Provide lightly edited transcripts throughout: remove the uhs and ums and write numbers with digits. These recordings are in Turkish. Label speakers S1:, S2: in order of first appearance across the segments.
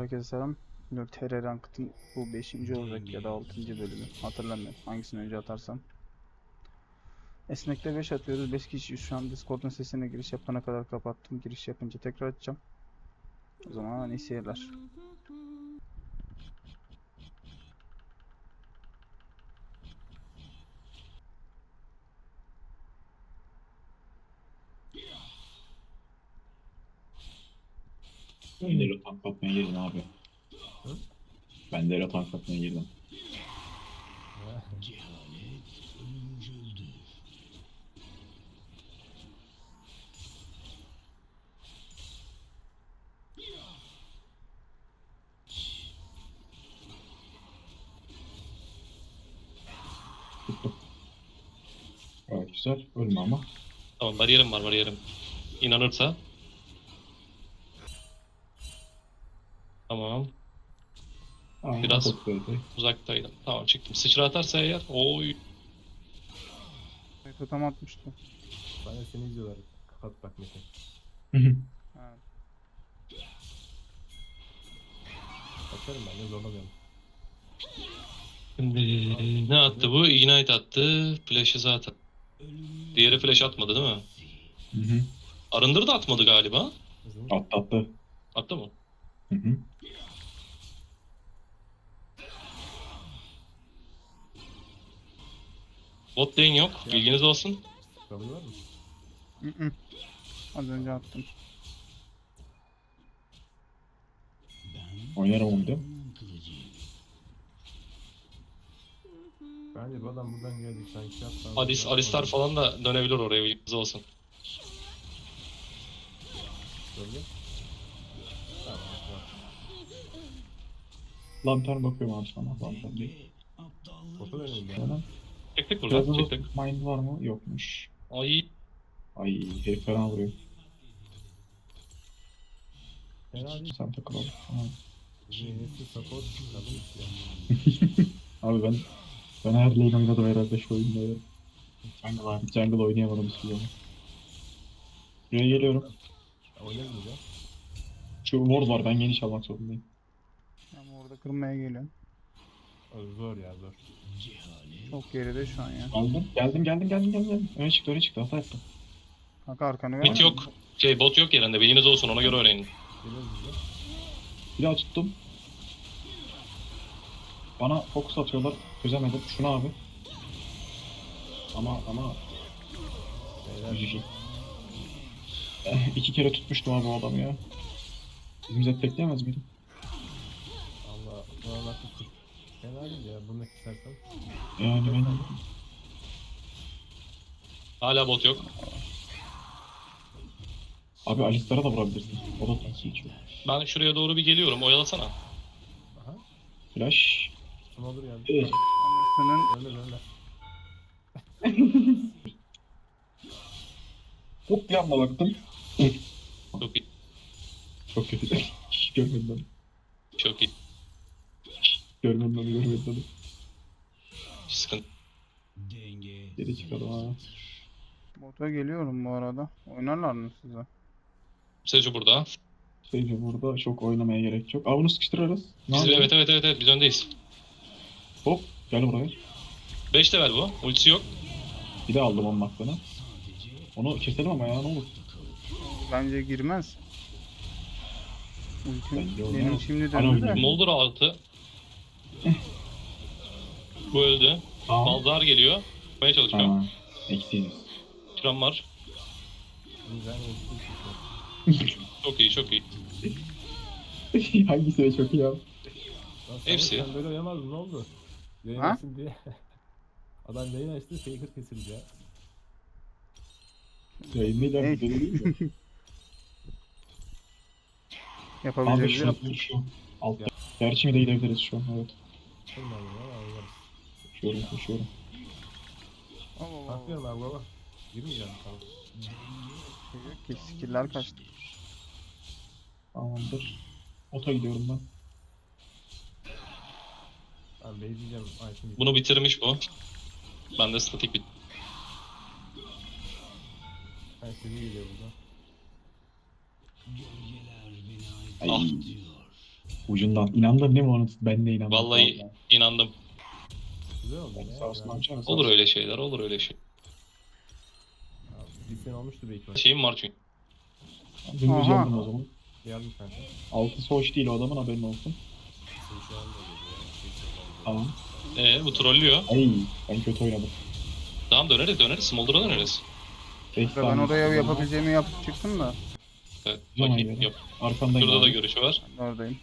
S1: herkese selam. TR Ranked'ın bu 5. olacak ya da 6. bölümü. Hatırlamıyorum hangisini önce atarsam. Esnek'te 5 atıyoruz. 5 kişi şu an Discord'un sesine giriş yapana kadar kapattım. Giriş yapınca tekrar açacağım. O zaman iyi seyirler.
S2: Ben de öyle tank atmaya girdim abi.
S3: Hı?
S2: Ben de öyle tank atmaya girdim. Gayet güzel. Ölme ama.
S3: Tamam, bariyerim var, bariyerim. İnanırsa. Tamam.
S2: Aa,
S3: Biraz
S2: çok böyle.
S3: uzaktaydım. Tamam, çıktım. Sıçra atarsa eğer. Oy.
S1: Totem atmıştı.
S4: Bana seni izliyorlar. Kapat bak Mete.
S1: Ha.
S4: Kaçarım ben de zorlamıyorum.
S3: Şimdi ne attı bu? Ignite attı. Flash'ı zaten. Diğeri flash atmadı değil mi?
S2: Hı hı.
S3: Arındır da atmadı galiba.
S4: Hızlı.
S2: Attı.
S3: Attı mı?
S2: Hı hı.
S3: Bot lane yok. Bilginiz olsun.
S4: Kabul var mı?
S1: Hı. Az önce attım.
S2: Oynarım onu da.
S4: Bence bu adam buradan geldik. Sanki yapsam.
S3: Alistar falan da dönebilir oraya. Bilginiz olsun.
S4: Böyle. Tamam. Tamam.
S2: Lantern bakıyorum abi sana. Lantern değil.
S4: Botu verelim ya.
S2: Sonra.
S3: Çektik
S2: Biraz
S3: buradan.
S2: da
S3: Çektik.
S2: mind var mı? Yokmuş.
S3: Ay.
S2: Ay herif fena vuruyor.
S4: Fena değil.
S2: Sen takılalım. Tamam.
S4: Bizim yenisi support kadın istiyor.
S2: Abi ben her lane oynadım herhalde şu oyunda ya. Jungle oynayamadım hiçbir zaman. Buraya geliyorum.
S4: Oynarız mı ya?
S2: Şu ward var, ben geniş almak zorundayım.
S1: Ama orada kırmaya geliyorum.
S4: O zor ya zor.
S1: Çok geride şu an ya.
S2: Geldim. Öne çıktı, hata yaptım.
S1: Kanka arkanı
S3: Mid
S1: ver.
S3: yok. Bot yok yerinde. Bilginiz olsun. Ona göre öğrenin.
S4: Geliyoruz biz de.
S2: Bir daha tuttum. Bana fokus atıyorlar, çözemedim. Şunu abi. Ama
S4: Beyler.
S2: GG. 2 kere tutmuştum abi o adamı ya. Bizim Zed bekleyemez miydim?
S4: Allah. Bana bakın. Fena değil ya. Bunu istersen.
S2: Yani ben...
S3: Hala bot yok.
S2: Abi Alistar'a da vurabilirsin. O da tank geçiyor.
S3: Ben şuraya doğru bir geliyorum. Oyalasana.
S4: Aha.
S2: Flash.
S4: Kim olur yani?
S2: Evet.
S1: Anasının
S4: Öyle.
S2: Hop bir anda baktım.
S3: Çok iyi.
S2: Çok kötü. Hiç görmedim onu.
S3: Çok iyi.
S2: Görmedim onu.
S3: Hiç sıkıntı.
S2: Geri çıkalım abi.
S1: bota geliyorum bu arada. Oynarlar mı size?
S3: Seju burada.
S2: Seyirci burada çok oynamaya gerek yok. Aa bunu sıkıştırırız. Ne
S3: Biz,
S2: yapalım?
S3: evet, biz öndeyiz.
S2: Hop gel buraya.
S3: 5 level bu. Ultisi yok.
S2: Bir de aldım onun aklını. Onu keselim ama ya ne olur.
S1: Bence girmez.
S2: Bence olmaz.
S1: Benim şimdi
S2: Alo,
S1: döndü de.
S2: oynayayım.
S3: Moldur altı. Bu öldü.
S2: Tamam.
S3: Balzar geliyor. Yapmaya çalışıyorum.
S2: Tamam. Eksiyiz.
S3: Şuram var.
S4: Güzel.
S3: Çok iyi, çok iyi.
S2: Hangisi de çok iyi abi.
S3: Hepsi.
S4: Sen böyle oynamazdın, ne oldu? Yayın
S1: Ha?
S4: açsın diye. Adam yayın açtı, faker kesildi ya.
S2: Yayınlayacağım
S1: Hey.
S2: bir deli değil mi? Abi
S1: Yapabileceğiz.
S2: şu altta. Gerçi mi de gidebiliriz şu an, evet.
S4: Olmadı ya, oynarız.
S2: Koşuyorum.
S1: Allah
S4: Bakıyorum abi baba. Girmeyeceğim tamam.
S1: Ki skill'ler kaçtı.
S2: Tamamdır. Ota gidiyorum ben.
S4: Ben bekleyeceğim item.
S3: Bunu bitirmiş bu. Ben de statik bit.
S4: Ben seni geliyor buradan.
S2: Ay.
S3: Ah.
S2: Ucundan. İnandın değil mi onu? Ben de inandım.
S3: Vallahi inandım.
S4: Güzel oldu ya.
S2: Sağ olsun
S4: Yani,
S2: amcam.
S3: Olur öyle şeyler, olur öyle şey.
S4: bir sene olmuştu belki.
S3: Şeyim var çünkü.
S2: Dümdüz
S1: Aha.
S2: yandım o zaman.
S4: Yardım kanka.
S2: Altısı hoş değil o adamın, haberin olsun. Tamam.
S3: Bu trollüyor.
S2: Ay ben kötü oynadım.
S3: Tamam döneriz. Smolder'a döneriz.
S2: 5
S1: Ben
S2: saniye.
S1: oraya
S2: sonra
S1: yapabileceğimi yapıp çıktım da.
S3: Evet,
S2: Zaman
S3: bakayım.
S2: göre.
S3: Yok.
S2: Arkandayım
S3: Şurada da
S2: abi.
S3: görüşü var.
S1: Ben de oradayım.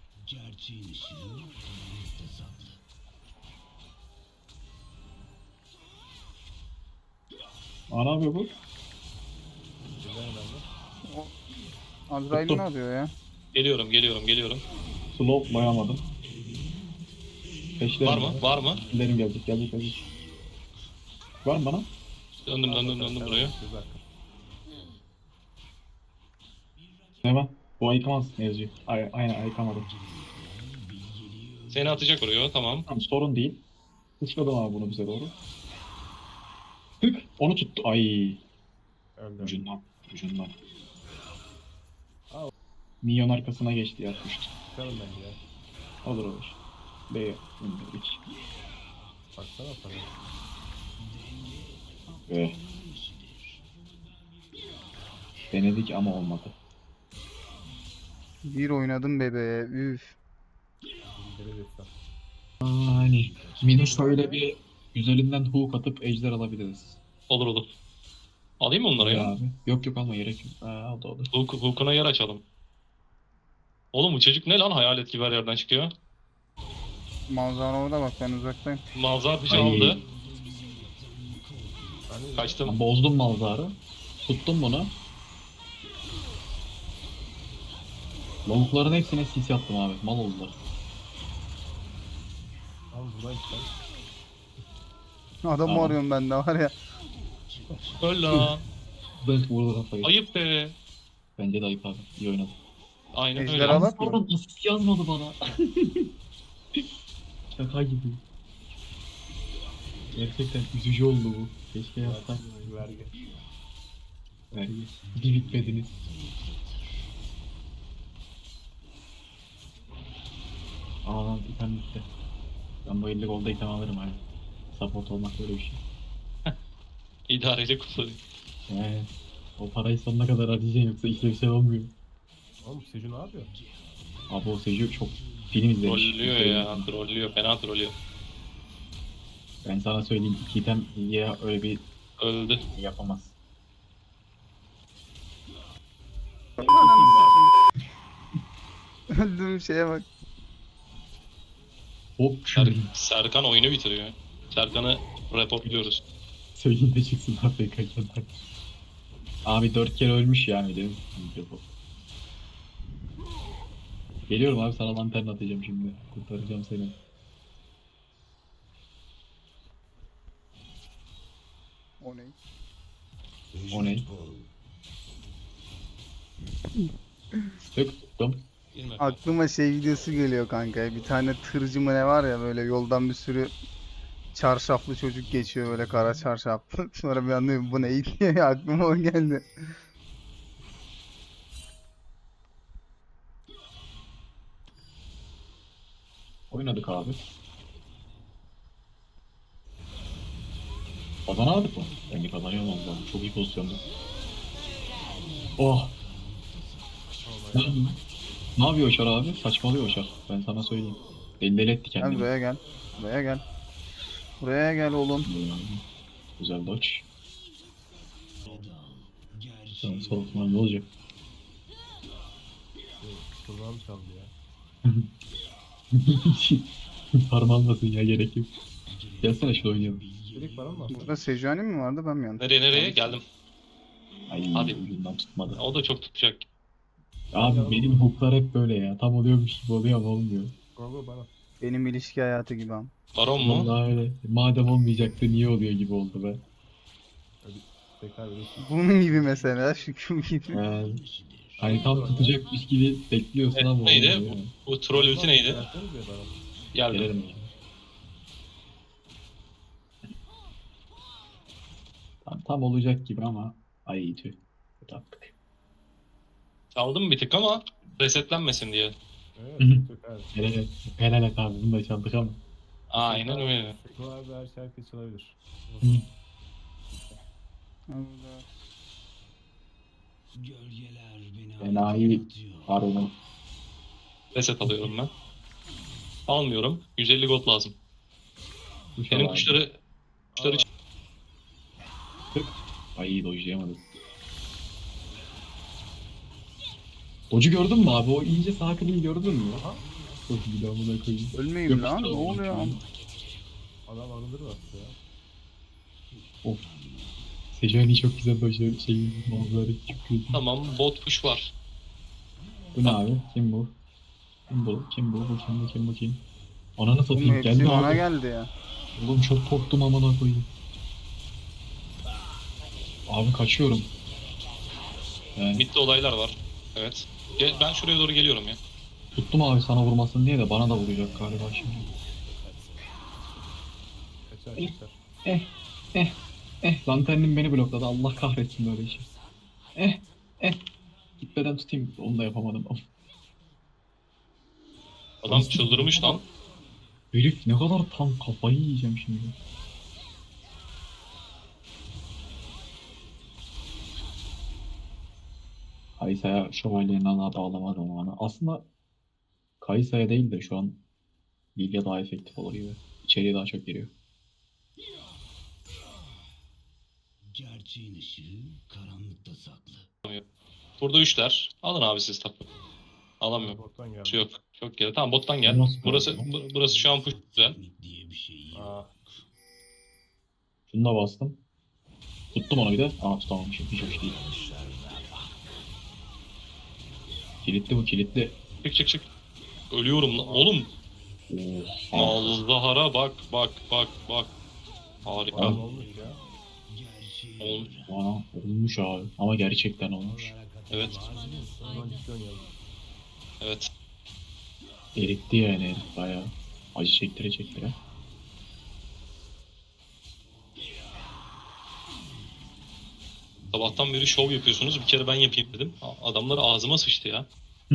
S2: Aa, ne yapıyor bu?
S4: Güzel önemli.
S1: Azrail
S2: Tuttum.
S1: ne yapıyor ya?
S3: Geliyorum.
S2: Slow bayamadım. Peşlerim
S3: Var mı?
S2: Peşlerim gelecek. Var mı bana?
S3: Döndüm buraya.
S4: Güzel.
S2: Hemen. Bu ayıkamaz ne yazıyor? Aynen ayıkamadım.
S3: Seni atacak oraya, tamam.
S2: Tamam sorun değil. Uçladım abi bunu bize doğru. Tık. Onu tuttu. Ay.
S4: Öldü.
S2: Ucundan.
S4: Al.
S2: Minyon arkasına geçti yatmıştı.
S4: Çıkalım bence ya.
S2: Olur. B indirdik.
S4: Baksana para.
S2: B. Denedik ama olmadı.
S1: Bir oynadım bebeğe. Üf.
S4: İndire destan.
S2: Hani Minus şöyle bir üzerinden hook atıp ejder alabiliriz.
S3: Olur. Alayım mı onları ya?
S2: Abi. Yok alma gerek yok. O da olur.
S3: Hook'una yer açalım. Oğlum bu çocuk ne lan, hayalet gibi her yerden çıkıyor.
S1: Manzara orada bak, ben uzaktayım.
S3: Malzar bir
S2: Ay.
S3: aldı.
S4: Hani
S3: Kaçtım.
S2: Ben bozdum malzarı. Tuttum bunu. Lavukların hepsine sis yaptım abi. Mal oldular.
S4: Tamam buradan çıkalım.
S1: Adamı
S2: Tamam.
S1: arıyorum ben de var ya.
S3: Öl la.
S2: Ben vurdu kafayı.
S3: Ayıp be.
S2: Bence de ayıp abi. İyi oynadı.
S3: Aynen
S1: Ejder
S3: öyle.
S1: alak mı?
S2: Pardon asist yazmadı bana. Şaka gibi. Gerçekten üzücü oldu bu. Keşke yazsam.
S4: Vergi.
S2: Vergi. Bir bitmediniz. Aa lan item bitti. Ben bu 50 golda item alırım abi. Support olmak böyle bir şey.
S3: İdareli kullanıyor.
S2: Yani o parayı sonuna kadar harcayacaksın yoksa işlevsel olmuyor.
S4: Oğlum Seju ne yapıyor?
S2: Abi o Seju çok film izlemiş.
S3: Trollüyor ya. Trollüyor. Fena trollüyor.
S2: Ben sana söyleyeyim, iki item ya öyle bir
S3: Öldü.
S2: yapamaz.
S1: Öldüğüm şeye bak.
S2: Hop
S3: Serkan oyunu bitiriyor. Serkan'ı reportluyoruz.
S2: söyleyeyim de çıksın AFK'ken. Abi 4 kere ölmüş yani dedim. Geliyorum abi, sana lantern atacağım şimdi. Kurtaracağım seni.
S1: O ne?
S2: O ne? Tuttum.
S3: Bilmem.
S1: Aklıma şey videosu geliyor kanka. Bir tane tırcı mı ne var ya, böyle yoldan bir sürü çarşaflı çocuk geçiyor, böyle kara çarşaflı. Sonra bir anlıyorum bu ne diye, aklıma o geldi.
S2: Oynadık abi. Kazanamadık mı? Bence kazanıyorum oldu. Çok iyi pozisyonda. Oh! Ne, ne yapıyor Oşar abi? Saçmalıyor Oşar. Ben sana söyleyeyim. Deli etti
S1: Gel
S2: kendini.
S1: buraya gel. Buraya gel. Buraya gel oğlum.
S2: Güzel dodge. Sen soğutma ne olacak?
S4: Kulağım çaldı ya.
S2: Parmağınmasın ya, gerek yok. Gelsene şöyle oynayalım.
S4: Direkt bana mı bastın?
S1: Burada Sejuani mi vardı, ben mi yanlış?
S3: Nereye? Geldim.
S2: Ay
S3: Hadi.
S2: ucundan tutmadı.
S3: O da çok tutacak.
S2: Abi benim hooklar hep böyle ya. Tam oluyormuş gibi oluyor ama olmuyor.
S4: Go bana.
S1: Benim ilişki hayatı gibi am.
S3: Baron mu?
S2: Vallahi öyle. Madem olmayacaktı niye oluyor gibi oldu be.
S4: Tekrar öyle.
S1: Bunun gibi mesela, Şükrü gibi.
S2: Hani tam tutacakmış gibi bekliyorsun ama
S3: Neydi?
S2: olmuyor yani.
S3: Bu troll ulti neydi?
S4: Versenize bana.
S3: Geldim.
S2: Gelelim. Tam olacak gibi ama ay tüh. Kötü attık.
S3: Çaldım bir tık ama resetlenmesin diye.
S4: Evet,
S2: Hı hı.
S4: çok abi.
S2: Helal, helal et abi bunu da çaldık ama.
S3: Aynen öyle.
S4: Seko abi her şarkı çalabilir.
S2: Hı.
S1: Allah.
S2: Enayi harbiden.
S3: Reset alıyorum ben. Almıyorum. 150 gold lazım.
S2: Kuş
S3: Benim
S2: al abi.
S3: kuşları
S2: Tık. Ay iyi dojlayamadım. Doge'u gördün mü abi? O ince sağ kliği gördün mü?
S4: Aha.
S2: Çok iyi de amına koyayım.
S1: Ölmeyeyim lan. Ne
S2: Yapıştır
S1: oluyor?
S2: abi.
S4: Adam arındır bastı ya.
S2: Of. Sejuani çok güzel dojladı manzara çıkıyor.
S3: tamam, bot push var.
S2: Bu ne abi? Kim bu? Kim bu? Kim bu? Bu kim? Bu kim? Bu kim? Ananı
S1: Oğlum
S2: satayım
S1: hepsi
S2: geldi
S1: bana
S2: abi.
S1: geldi ya.
S2: Oğlum çok korktum amına koyayım. Abi kaçıyorum.
S3: Mid'de olaylar var. Evet. Ben şuraya doğru geliyorum ya.
S2: Tuttum abi sana vurmasın diye de bana da vuracak galiba şimdi.
S4: Kaçar
S2: Eh.
S4: kaçar.
S2: Lanternim beni blokladı. Allah kahretsin böyle işi. Gitmeden tutayım. Onu da yapamadım. Of.
S3: Adam çıldırmış lan.
S2: Herif ne kadar tam kafayı yiyeceğim şimdi. Kaysa'ya şövalyenin ana bağlamadım onu. Aslında Kaysa'ya değil de şu an Lilia daha efektif olur gibi. İçeriye daha çok giriyor.
S5: Gerçeğin ışığı karanlıkta saklı.
S3: Burada üçler. Alın abi siz tapu. Alamıyorum.
S4: Bottan
S3: Şey
S4: geldi.
S3: yok. Çok geri. Tamam, bottan gel.
S2: Nasıl
S3: Burası
S2: böyle?
S3: burası şu an push güzel.
S5: Teknik diye bir şey yok.
S4: Aa.
S2: Şunu da bastım. Tuttum onu bir de. Aa tutamamışım. Hiç hoş değil. Kilitli bu kilitli.
S3: Çık çık çık. Ölüyorum lan. Oğlum.
S2: Oha.
S3: Allah'ara bak bak bak bak. Harika.
S4: Bayağı olmuş ya.
S3: Olmuş.
S2: Aa, olmuş abi. Ama gerçekten olmuş.
S3: Evet.
S4: Ondan ciddi oynayalım.
S3: Evet.
S2: Eritti yani herif bayağı. Acı çektire çektire.
S3: Sabahtan beri şov yapıyorsunuz. Bir kere ben yapayım dedim. Adamlar ağzıma sıçtı ya.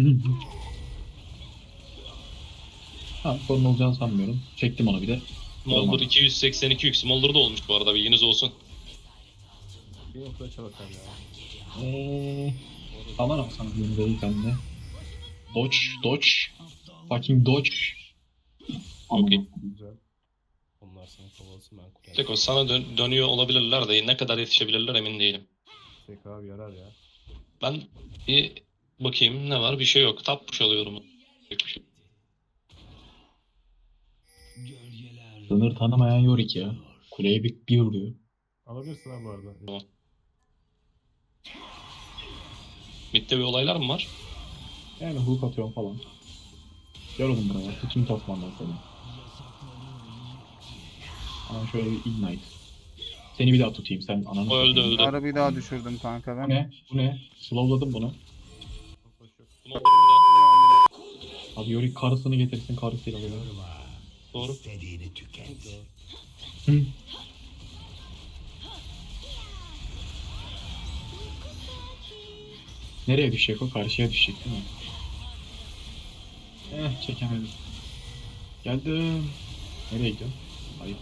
S2: Ha sorun olacağını sanmıyorum. Çektim onu bir de.
S3: Smolder
S2: Tamam.
S3: 282 yük. Smolder da olmuş bu arada, bilginiz olsun.
S4: Bir noktada çalakar ya.
S2: Aman ama sana yeni değil bende. Dodge, dodge. Fucking dodge.
S3: Okey.
S4: Güzel. Onlar seni kovalasın ben kurarım.
S3: Seko sana dönüyor olabilirler de ne kadar yetişebilirler emin değilim.
S4: Seko abi yarar ya.
S3: Ben bir bakayım ne var, bir şey yok. Tap push alıyorum. Yok bir şey.
S5: Gölgeler
S2: Sınır tanımayan Yorick ya. Kuleye bir vuruyor.
S4: Alabilirsin abi bu arada.
S3: Tamam. Mid'de bir olaylar mı var?
S2: Yani hook atıyorum falan. Gel oğlum buraya. Tutayım tasmandan seni. Ama şöyle bir ignite. Seni bir daha tutayım sen ananı
S3: O öldü,
S2: satayım.
S3: öldü.
S1: Ara bir daha düşürdüm kanka
S2: Bu
S1: ben.
S2: ne? Bu ne? Slowladım bunu.
S4: Hoş yok.
S3: Smolder burada.
S2: Abi Yorick karısını getirsin karısıyla alıyor.
S3: Doğru.
S5: istediğini tüket.
S2: Hı. Nereye düşecek o? Karşıya düşecek değil mi? Çekemedim. Geldim. Nereye gidiyorsun? Hayır.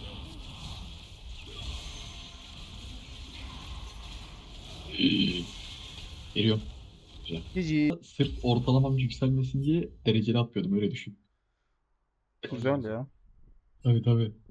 S2: Geliyorum.
S1: Cici.
S2: Sırf ortalamam yükselmesin diye dereceli atıyordum öyle düşün.
S1: Güzel ya.
S2: Tabii tabii.